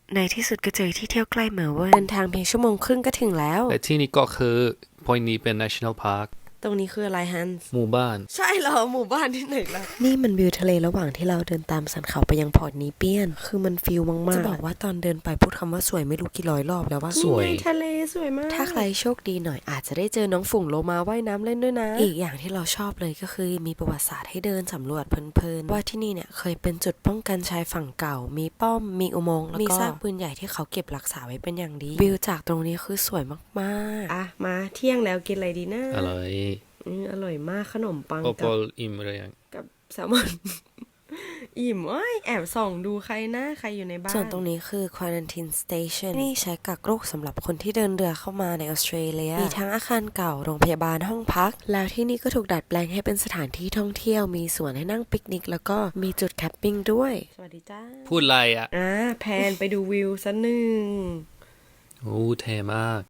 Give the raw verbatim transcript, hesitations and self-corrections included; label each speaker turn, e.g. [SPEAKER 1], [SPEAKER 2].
[SPEAKER 1] ในที่สุดก็เจอที่เที่ยวใกล้เมลเบิร์นเดินทางเพียงชั่วโมงครึ่งก็ถึงแล้ว
[SPEAKER 2] และที่นี่ก็คือ point นี้เป็น national park
[SPEAKER 1] ตรงนี้คืออะไรฮันส์
[SPEAKER 2] หมู่บ้าน
[SPEAKER 1] ใช่เหรอหมู่บ้านที่ไหนล่ะนี่มันวิวทะเลระหว่างที่เราเดินตามสันเขาไปยังพอร์ตนีเปียนคือมันฟิลมากๆจะบอกว่าตอนเดินไปพูดคำว่าสวยไม่รู้กี่ร้อยรอบแล้วว่า
[SPEAKER 2] สวย
[SPEAKER 1] ทะเลสวยมากถ้าใครโชคดีหน่อยอาจจะได้เจอน้องฝูงโลมาว่ายน้ำเล่นด้วยนะอีกอย่างที่เราชอบเลยก็คือมีประวัติศาสตร์ให้เดินสำรวจเพลินๆว่าที่นี่เนี่ยเคยเป็นจุดป้องกันชายฝั่งเก่ามีป้อมมีอุโมงค์แล้วก็มีซากปืนใหญ่ที่เขาเก็บรักษาไว้เป็นอย่างดีวิวจากตรงนี้คือสวยมากๆอ่ะมาเที่ยงแล้วกินอะไรดีนะ
[SPEAKER 2] อร่อย
[SPEAKER 1] อืออร่อยมากขนมปัง
[SPEAKER 2] โอป
[SPEAKER 1] กั
[SPEAKER 2] อบ ลอิ่มหรือยัง
[SPEAKER 1] กับแซลมอน อิ่มเอ้ยแอบส่องดูใครนะใครอยู่ในบ้านส่วนตรงนี้คือ Quarantine Station นี่ใช้กักโรคสำหรับคนที่เดินเรือเข้ามาในออสเตรเลียมีทั้งอาคารเก่าโรงพยาบาลห้องพักแล้วที่นี่ก็ถูกดัดแปลงให้เป็นสถานที่ท่องเที่ยวมีสวนให้นั่งปิกนิกแล้วก็มีจุดแคมปิ้งด้วยสวัสดีจ้า
[SPEAKER 2] พูดอะไรอ่ะ
[SPEAKER 1] อ่าแพนไปดูวิวสักหนึ่ง
[SPEAKER 2] โอ้เท่มาก